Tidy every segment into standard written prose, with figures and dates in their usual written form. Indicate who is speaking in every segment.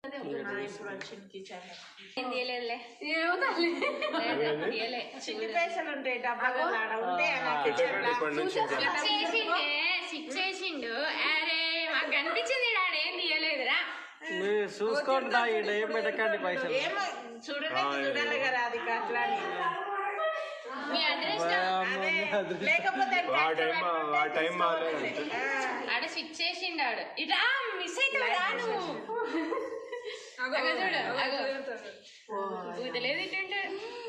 Speaker 1: పైసలు ఉంటాయి
Speaker 2: చేసిండు. అరే మాకు కనిపించింది ఏం తీయలేదురా.
Speaker 3: చూసుకోండి ఏం పెట్టకండి పైసలు.
Speaker 1: చూడాలి కదా అది అట్లా
Speaker 2: మీ అడ్రస్
Speaker 1: లేకపోతే
Speaker 2: ఆడ స్విచ్ చేసిండు. ఆడు ఇట్లా మిస్ అవుతావు నువ్వు. చూడు ఊతలేదు ఇటుంటే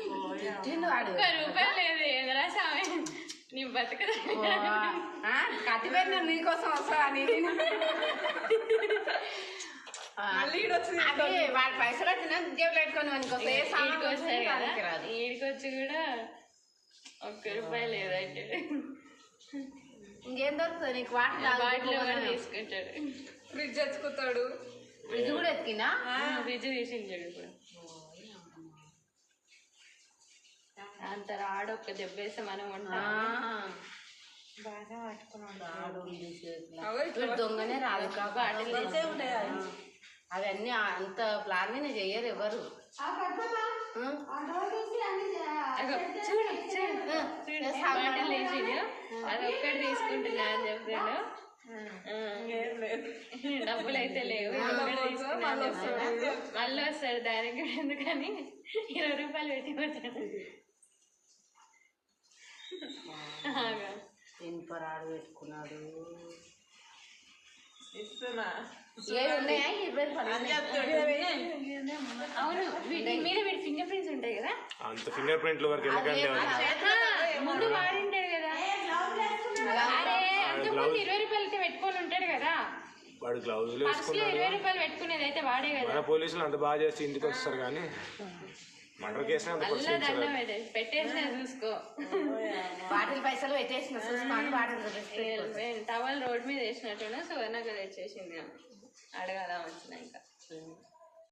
Speaker 2: ₹1 లేదు. ఏదరా స్వామి నీ బతుకదా
Speaker 1: కత్తి పెట్టిన నీకోసం వస్తా వాడి పైసలు వచ్చిన జేబులు పెట్టుకొని
Speaker 2: ఈడికొచ్చి కూడా ₹1 లేదంటే
Speaker 1: ఇంకేం దొరుకుతుంది నీకు? వాటర్
Speaker 2: తీసుకుంటాడు.
Speaker 1: ఫ్రిడ్జ్ తెచ్చుకుంటాడు. ఫ్రిడ్జ్ కూడా ఎత్తుకినా?
Speaker 2: ఫ్రిడ్జ్ తీసించాడు. ఇప్పుడు అంత రాడు. ఒక్క దెబ్బేస్తే మనం ఉంటాం. బాగా పట్టుకున్నాడు.
Speaker 1: దొంగనే రాదు కాబట్టి అవన్నీ అంత ప్లాన్ చెయ్యరు ఎవరు.
Speaker 2: బాటలు వేసిండు. అది ఒక్కటి తీసుకుంటున్నా అని చెప్పాను. డబ్బులు అయితే లేవు. మళ్ళీ వస్తాడు. దానికి ఎందుకని ₹20 పెట్టి పోతాడు.
Speaker 1: ఇనుపరాడు పెట్టుకున్నాడు.
Speaker 2: అవును వీటి మీద వీడి ఫింగర్ ప్రింట్స్ ఉంటాయి కదా.
Speaker 3: అంత ఫింగర్ ప్రింట్ల వరకు
Speaker 2: ముందు వాడింటాడు కదా. అరే అంతకుముందు ₹20 అయితే పెట్టుకొని ఉంటాడు కదా.
Speaker 3: వాడు గ్లౌజులు
Speaker 2: ₹20 పెట్టుకునేది అయితే వాడే కదా.
Speaker 3: పోలీసులు అంత బాగా చేసి ఇంటికి వస్తారు కానీ మర్డర్ కేసు
Speaker 2: పెట్టేసిన చూసుకో.
Speaker 1: వాటిల్ పైసలు పెట్టేసిన చూసుకోండి. వాటిల్
Speaker 2: టవల్ రోడ్ మీద వేసినట్టున్నా సువర్ణకు తెచ్చేసింది. అడగాల వచ్చినాక.